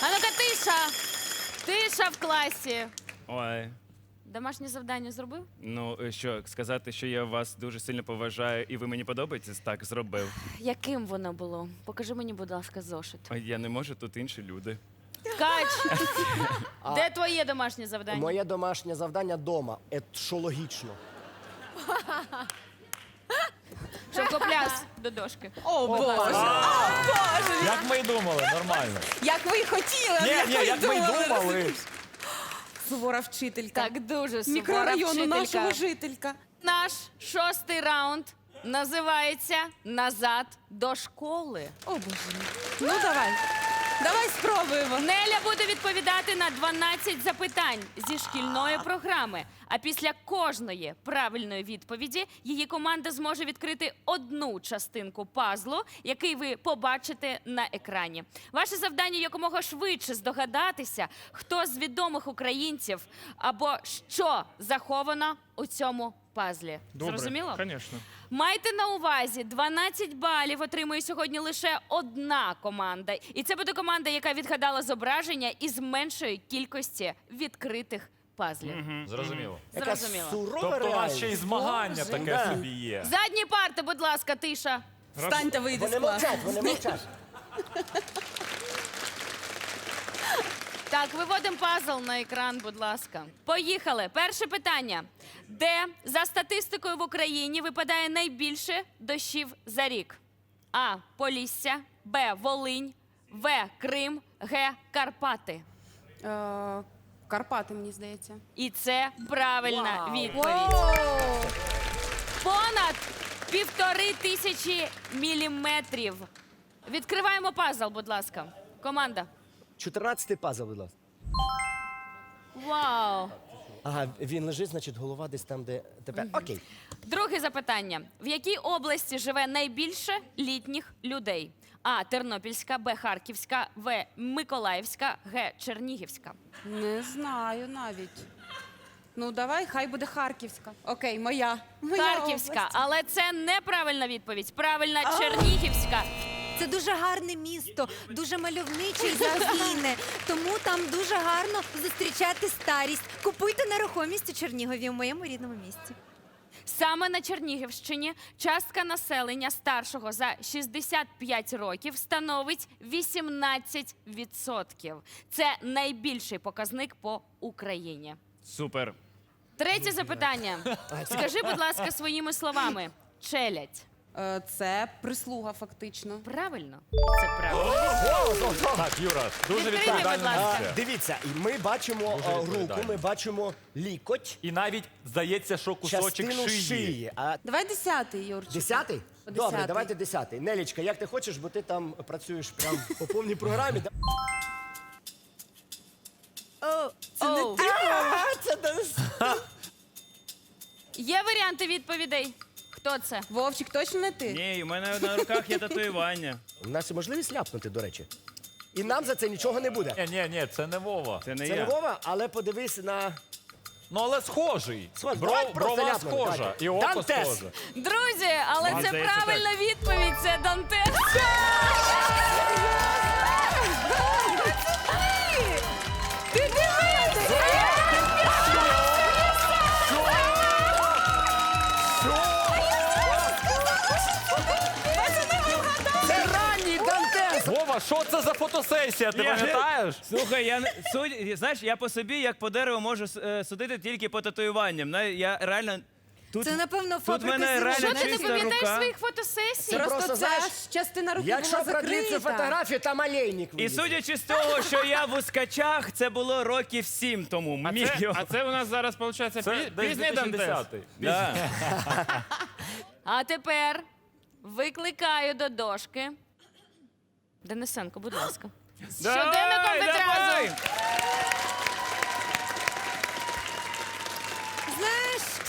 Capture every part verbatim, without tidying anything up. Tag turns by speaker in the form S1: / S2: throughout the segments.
S1: А ну-ка, тиша! Тиша в класі.
S2: Ой.
S1: Домашнє завдання зробив?
S2: Ну, е, що, сказати, що я вас дуже сильно поважаю і ви мені подобаєтесь? Так, зробив.
S1: Яким воно було? Покажи мені, будь ласка, зошит.
S2: Ой, я не можу, тут інші люди.
S1: Ткач! Де твоє домашнє завдання?
S3: Моє домашнє завдання дома. Е, що логічно.
S1: Шовкопляс до дошки.
S4: О, Боже. О, Боже.
S5: Як ми й думали, нормально.
S4: Як ви й хотіли,
S5: Ні,
S4: як
S5: ні,
S4: ви
S5: як ми й
S4: думали.
S5: думали.
S4: Сувора вчителька.
S1: Так, дуже сувора
S4: Мікрорайону
S1: вчителька.
S4: нашого жителька.
S1: Наш шостий раунд називається «Назад до школи».
S4: О, Боже мій. Ну, давай. Давай спробуємо.
S1: Неля буде відповідати на дванадцять запитань зі шкільної програми. А після кожної правильної відповіді її команда зможе відкрити одну частинку пазлу, який ви побачите на екрані. Ваше завдання якомога швидше здогадатися, хто з відомих українців або що заховано у цьому пазлі. Зрозуміло?
S6: Звісно.
S1: Майте на увазі, дванадцять балів отримує сьогодні лише одна команда. І це буде команда, яка відгадала зображення із меншої кількості відкритих пазлів.
S5: Зрозуміло.
S3: Яка
S1: Зрозуміло.
S3: сурова
S5: Тобто у нас ще й
S3: реальність.
S5: змагання
S4: Боже.
S5: таке
S3: Да.
S5: собі є.
S1: Задні парти, будь ласка, тиша.
S4: Встань та вийди з
S3: Вони
S4: класу.
S3: мовчать, вони мовчать.
S1: Так, виводимо пазл на екран, будь ласка. Поїхали. Перше питання. Де за статистикою в Україні випадає найбільше дощів за рік? А. Полісся, Б. Волинь, В. Крим, Г. Карпати.
S7: Е, Карпати, мені здається.
S1: І це правильна
S3: Вау.
S1: відповідь. Понад півтори тисячі міліметрів. Відкриваємо пазл, будь ласка. Команда.
S3: чотирнадцятий пазл, будь ласка.
S1: Вау!
S3: Ага, він лежить, значить, голова десь там, де тепер. Окей.
S1: Друге запитання. В якій області живе найбільше літніх людей? А. Тернопільська, Б. Харківська, В. Миколаївська, Г. Чернігівська.
S7: Не знаю навіть. Ну, давай, хай буде Харківська. Окей, моя. Моя
S1: Харківська,
S7: область.
S1: але це неправильна відповідь. Правильна Чернігівська.
S8: Це дуже гарне місто, дуже мальовниче і загійне. Тому там дуже гарно зустрічати старість. Купуйте нерухомість у Чернігові, у моєму рідному місті.
S1: Саме на Чернігівщині частка населення старшого за шістдесят п'ять років становить вісімнадцять відсотків. Це найбільший показник по Україні.
S2: Супер.
S1: Третє запитання. Скажи, будь ласка, своїми словами. Челядь.
S7: Е, Це прислуга, фактично.
S1: Правильно? Це правильно.
S5: Так, Юра, дуже
S1: Відкрийте, будь
S5: відповідальна
S1: ласка.
S5: місія.
S3: Дивіться, і ми бачимо
S5: Дуже
S3: а, руку,
S5: відповідально.
S3: ми бачимо лікоть,
S5: І навіть здається, що кусочок
S3: частину
S5: шиї.
S3: шиї. А
S7: Давай десятий, Юрчик.
S3: десятий?
S7: По
S3: Добре,
S7: десятий.
S3: давайте десятий. Нелічка, як ти хочеш, бо ти там працюєш прям по повній програмі. Да-
S8: О,
S1: Оу.
S3: А, це десь.
S1: Є варіанти відповідей? Хто це?
S7: Вовчик, точно не ти?
S2: Ні, у мене на руках є татуювання.
S3: У нас є можливість ляпнути, до речі. І нам за це нічого не буде.
S5: Ні, ні, ні, це не Вова.
S2: Це не
S3: Це не
S2: я.
S3: Вова, але подивись на...
S5: Ну, але схожий.
S3: Схож,
S5: Бро-
S3: давай просто
S5: брова
S3: ляпнемо,
S5: схожа.
S3: давайте.
S5: І око
S3: Дантес.
S5: схоже.
S1: Друзі, але
S2: Вам
S1: це
S2: здається,
S1: правильна відповідь. Це Дантес. Ти дивись!
S3: Це ранній Дантес!
S5: Вова, що це за фотосесія, ти
S2: Я-
S5: пам'ятаєш?
S2: Слухай, я не- судь, знаєш, я по собі, як по дереву, можу е, судити тільки по татуюванням. На- Я реально тут,
S8: це, напевно,
S2: тут
S8: фабрика
S2: мене
S8: зірок.
S2: реально
S1: Що ти не
S2: чиста
S1: пам'ятаєш
S2: рука.
S1: своїх фотосесій?
S3: Це
S7: Просто,
S3: просто,
S7: ця
S3: знаєш,
S7: ж частина руки
S3: Якщо
S7: була
S3: продлити
S7: закрита.
S3: фотографію, там олейник
S2: І
S3: вилізе.
S2: судячи з того, що я в ускачах, це було років сім тому.
S6: А
S2: Міг
S6: це,
S2: його.
S6: а це у нас зараз, виходить,
S5: Це
S6: пі-
S5: десь
S6: пізній Дантес.
S5: дві тисячі десятий.
S2: Да.
S1: А тепер викликаю до дошки. Денисенко, будь ласка. Щоденником
S2: Давай, давай!
S1: відразу.
S8: Знаєш,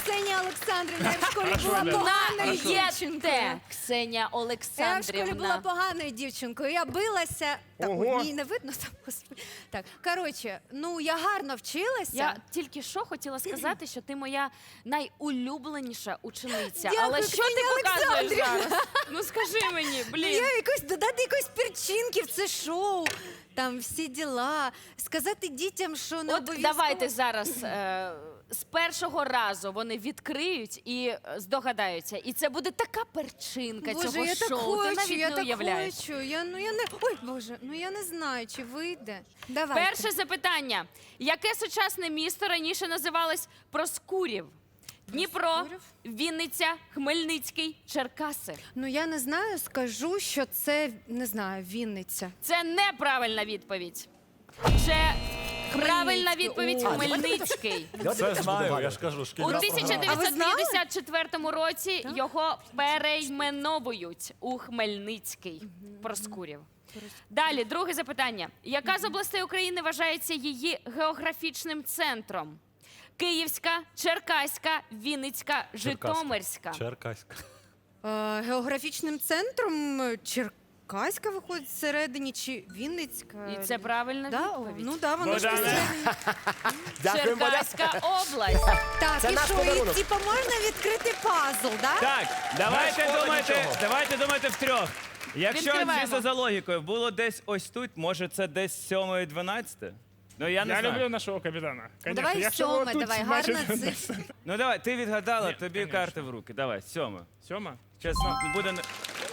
S8: Ксенія Олександрівна. Я в школі була поганою дівчинкою.
S1: Наєте, Ксенія
S8: Я в школі була
S1: Олександрівна.
S8: поганою дівчинкою. Я билася. Так,
S3: Ого.
S8: мені не видно там, господи. Так, коротше, ну я гарно вчилася.
S1: Я тільки що хотіла сказати, що ти моя найулюбленіша учениця.
S8: Дякую,
S1: Але що ти
S8: Ксенія
S1: показуєш
S8: Олександрівна.
S1: зараз? Ну скажи мені,
S8: Ну,
S1: блін.
S8: я якось додати якоїсь перчинки в це шоу. Там всі діла. Сказати дітям, що не
S1: От
S8: обов'язково.
S1: давайте зараз е, з першого разу вони відкриють і е, здогадаються. І це буде така перчинка
S8: Боже,
S1: цього
S8: я так
S1: шоу.
S8: хочу,
S1: Ти навіть
S8: я
S1: не
S8: так
S1: уявляєш.
S8: хочу. Я, ну, я не... Ой, Боже, ну я не знаю, чи вийде. Давайте.
S1: Перше запитання. Яке сучасне місто раніше називалось Проскурів? Дніпро,
S8: Проскурів?
S1: Вінниця, Хмельницький, Черкаси.
S8: Ну я не знаю, скажу, що це, не знаю, Вінниця.
S1: Це неправильна відповідь. Це правильна відповідь
S8: О.
S1: Хмельницький.
S3: Давайте
S5: Це
S3: теж
S5: знаю,
S3: будемо
S5: я ж кажу,
S1: У
S5: шкільна
S1: тисяча
S5: програма.
S8: А ви
S1: дев'ятсот
S8: знали?
S1: п'ятдесят четвертому році його перейменовують у Хмельницький. Проскурів. Далі, друге запитання. Яка з областей України вважається її географічним центром? Київська, Черкаська, Вінницька, Житомирська.
S5: Черкаська.
S8: Е, географічним центром е, Черкаська виходить всередині, чи Вінницька?
S1: І це правильна
S8: Да? О,
S1: відповідь.
S8: ну да, воно ж всередині.
S3: Дякуємо, Бодя.
S1: Черкаська область.
S8: Так,
S3: Це
S8: і
S3: наш
S8: що,
S3: подарунок.
S8: і, типу, можна відкрити пазл, да?
S2: Так, давайте
S5: шкода
S2: думайте,
S5: нічого.
S2: давайте думайте втрьох. Якщо
S1: Відкриваємо.
S2: чисто за логікою було десь ось тут, може це десь сьоме дванадцяте? Ну я не
S6: Я
S2: знаю.
S6: люблю нашого капітана.
S8: Ну,
S6: Конечно,
S8: давай
S6: якщо ви
S8: сьоме,
S6: тут,
S8: давай,
S6: значить,
S8: гарна цифра.
S2: Ну давай, ти відгадала,
S6: Ні,
S2: тобі
S6: конечно.
S2: карти в руки. Давай, сьоме.
S6: Сьома?
S2: Чесно, буде не.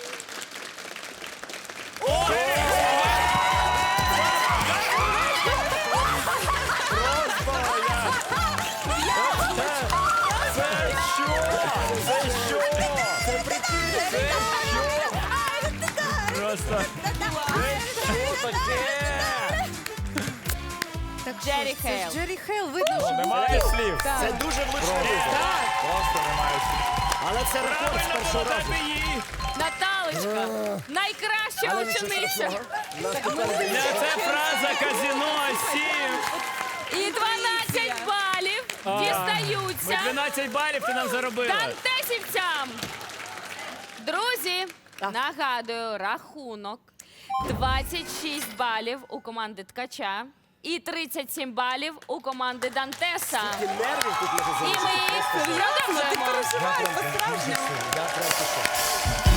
S5: Це що? Це що?
S2: Просто.
S5: Що таке?
S8: Так
S1: Джері
S8: що, це ж
S1: Хейл.
S8: Джері Хейл, видно, що...
S5: Немає слів.
S3: Це дуже влучно вийшло.
S5: Просто немає слів.
S3: Але це рекорд з
S2: Правильно
S3: першого
S2: було
S3: разу.
S2: дати їй.
S1: Наталочка, найкраща
S3: Але нічого
S1: учениця.
S3: страшного. Наступна людина.
S2: Для це фраза казіно сім.
S1: І дванадцять балів
S2: Ми
S1: дістаються
S2: дванадцять балів ти нам заробила.
S1: дантесівцям. Друзі, нагадую, рахунок двадцять шість балів у команди Ткача і тридцять сім балів у команди Дантеса.
S3: Ті нервів тут може
S1: І ми
S3: залишити.
S1: продовжуємо.
S3: Я прям пішов.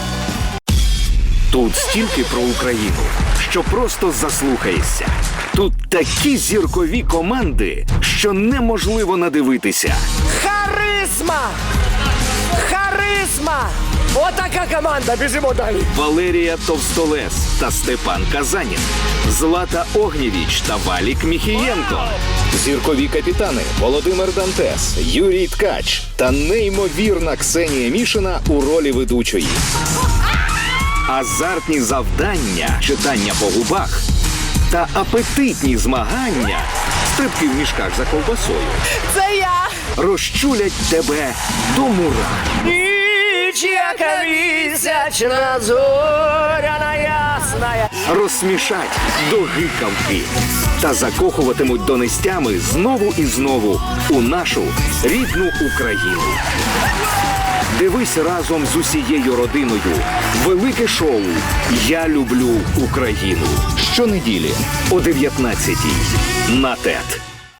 S9: Тут стільки про Україну, що просто заслухаєшся. Тут такі зіркові команди, що неможливо надивитися.
S3: Харизма! Харизма! Отака команда, біжимо далі.
S9: Валерія Товстолес та Степан Казанін, Злата Огнєвіч та Валік Міхієнко, зіркові капітани Володимир Дантес, Юрій Ткач та неймовірна Ксенія Мішина у ролі ведучої. Азартні завдання, читання по губах та апетитні змагання, стрибки в мішках за ковбасою,
S3: Це я!
S9: розчулять тебе до мурах.
S3: Ніч, яка місячна, зоряна ясна.
S9: Розсмішать до гикавки та закохуватимуть донестями знову і знову у нашу рідну Україну. Дивись разом з усією родиною велике шоу «Я люблю Україну» щонеділі о дев'ятнадцятій на ТЕТ.